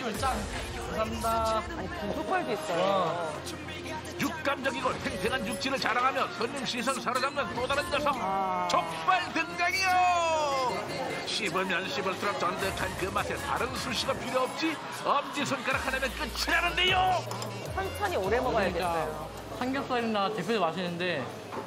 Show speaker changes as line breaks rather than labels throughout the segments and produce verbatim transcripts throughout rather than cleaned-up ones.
족발집을 짠. 감사합니다.
아니, 부족발도 있어요.
육감적이고 탱탱한 육질을 자랑하며 손님 시선 사로잡는 또 다른 녀석.
아.
족발 등장이요. 씹으면 씹을수록 쫀득한 그 맛에 다른 수시가 필요 없지. 엄지손가락 하나면 끝이 나는데요.
천천히 오래 먹어야겠어요.
삼겹살이나 대패도 맛있는데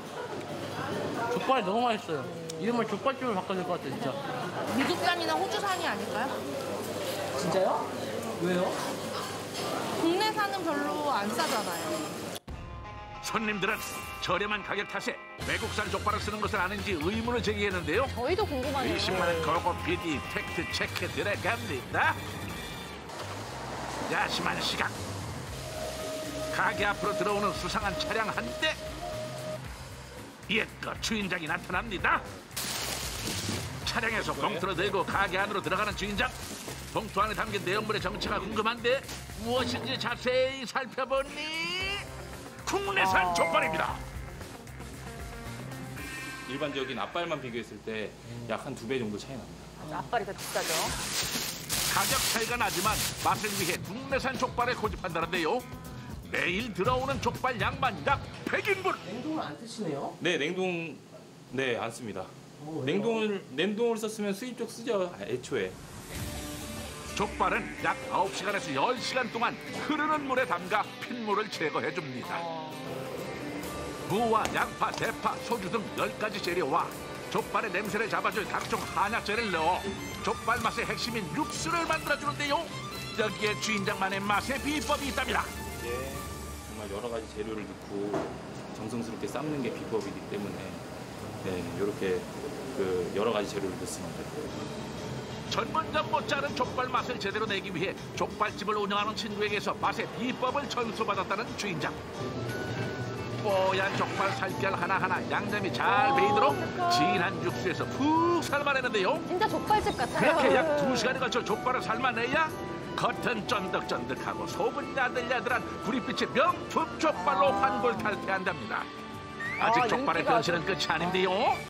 족발이 너무 맛있어요. 이름을 족발집으로 바꿔야 될 것 같아요, 진짜.
미국산이나 호주산이 아닐까요?
진짜요?
왜요?
국내산은 별로 안 싸잖아요.
손님들은 저렴한 가격 탓에 외국산 족발을 쓰는 것을 아는지 의문을 제기했는데요.
저희도 궁금하네요.
의심만은 걸고 비디 팩트 체크 들어갑니다. 야심한 시각. 가게 앞으로 들어오는 수상한 차량 한 대. 옛것 주인장이 나타납니다. 차량에서 봉투를 들고 가게 안으로 들어가는 주인장. 봉투 안에 담긴 내용물의 정체가 궁금한데 무엇인지 자세히 살펴보니 국내산
아...
족발입니다.
일반적인 앞발만 비교했을 때 약 한 두 배 정도 차이 납니다.
앞발이 더 비싸죠.
가격 차이가 나지만 맛을 위해 국내산 족발을 고집한다는데요. 매일 들어오는 족발 양만 약 백 인분.
냉동을 안 쓰시네요?
네, 냉동 네, 안 씁니다.
어,
냉동을 냉동을 썼으면 수입 쪽 쓰죠, 애초에.
족발은 약 아홉 시간에서 열 시간 동안 흐르는 물에 담가 핏물을 제거해 줍니다. 무와 양파, 대파, 소주 등 열 가지 재료와 족발의 냄새를 잡아줄 각종 한약재를 넣어 족발 맛의 핵심인 육수를 만들어주는데요. 여기에 주인장만의 맛의 비법이 있답니다.
이제 정말 여러 가지 재료를 넣고 정성스럽게 삶는 게 비법이기 때문에 네, 이렇게 그 여러 가지 재료를 넣습니다.
전문점 못지않은 족발 맛을 제대로 내기 위해 족발집을 운영하는 친구에게서 맛의 비법을 전수받았다는 주인장. 뽀얀 족발 살결 하나하나 양념이 잘 배이도록 진한 육수에서 푹 삶아내는데요.
진짜 족발집 같아요.
그렇게 약 두 시간에 걸쳐 족발을 삶아내야 겉은 쫀득쫀득하고 속은 야들야들한 구릿빛의 명품 족발로 환골탈태한답니다. 아직
아,
족발의
인기가
변신은 끝이 아닌데요.